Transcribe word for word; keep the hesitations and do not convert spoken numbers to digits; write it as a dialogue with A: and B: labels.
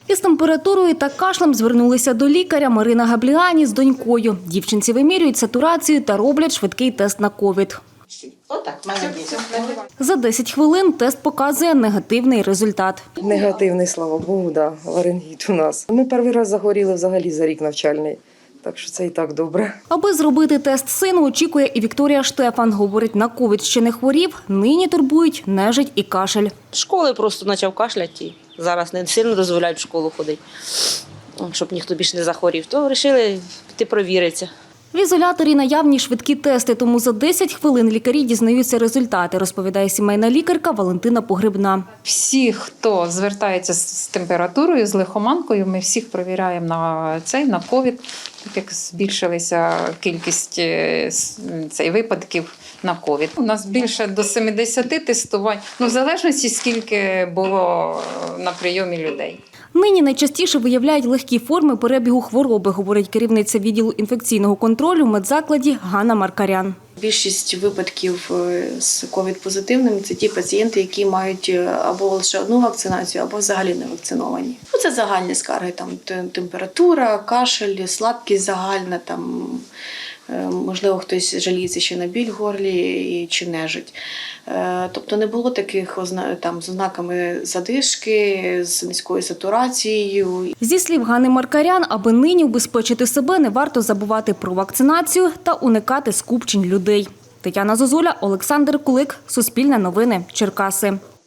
A: Із температурою та кашлем звернулися до лікаря Марина Габліані з донькою. Дівчинці вимірюють сатурацію та роблять швидкий тест на ковід.
B: Отак, молодець.
A: За десять хвилин тест показує негативний результат.
C: Негативний, слава Богу, да, ларингіт у нас. Ми перший раз захворіли взагалі за рік навчальний, так що це і так добре.
A: Аби зробити тест сину, очікує і Вікторія Штефан. Говорить, на ковід ще не хворів, нині турбують нежить і кашель.
B: Школи просто почав кашляти. Зараз не сильно дозволяють в школу ходити, щоб ніхто більше не захворів. То вирішили піти провіритися.
A: В ізоляторі наявні швидкі тести, тому за десять хвилин лікарі дізнаються результати, розповідає сімейна лікарка Валентина Погребна.
D: Всі, хто звертається з температурою, з лихоманкою, ми всіх перевіряємо на цей, на ковід, так як збільшилася кількість е, цей, випадків на ковід. У нас більше до сімдесят тестувань, ну, в залежності, скільки було на прийомі людей.
A: Нині найчастіше виявляють легкі форми перебігу хвороби, говорить керівниця відділу інфекційного контролю в медзакладі Ганна Маркарян.
E: Більшість випадків з ковід-позитивними – це ті пацієнти, які мають або лише одну вакцинацію, або взагалі не вакциновані. Це загальні скарги, там температура, кашель, слабкість загальна, там, можливо, хтось жаліється ще на біль в горлі чи нежить. Тобто не було таких там, з ознаками задишки, з низькою сатурацією.
A: Зі слів Ганни Маркарян, аби нині убезпечити себе, не варто забувати про вакцинацію та уникати скупчень людей. Тетяна Зозуля, Олександр Кулик, Суспільне новини, Черкаси.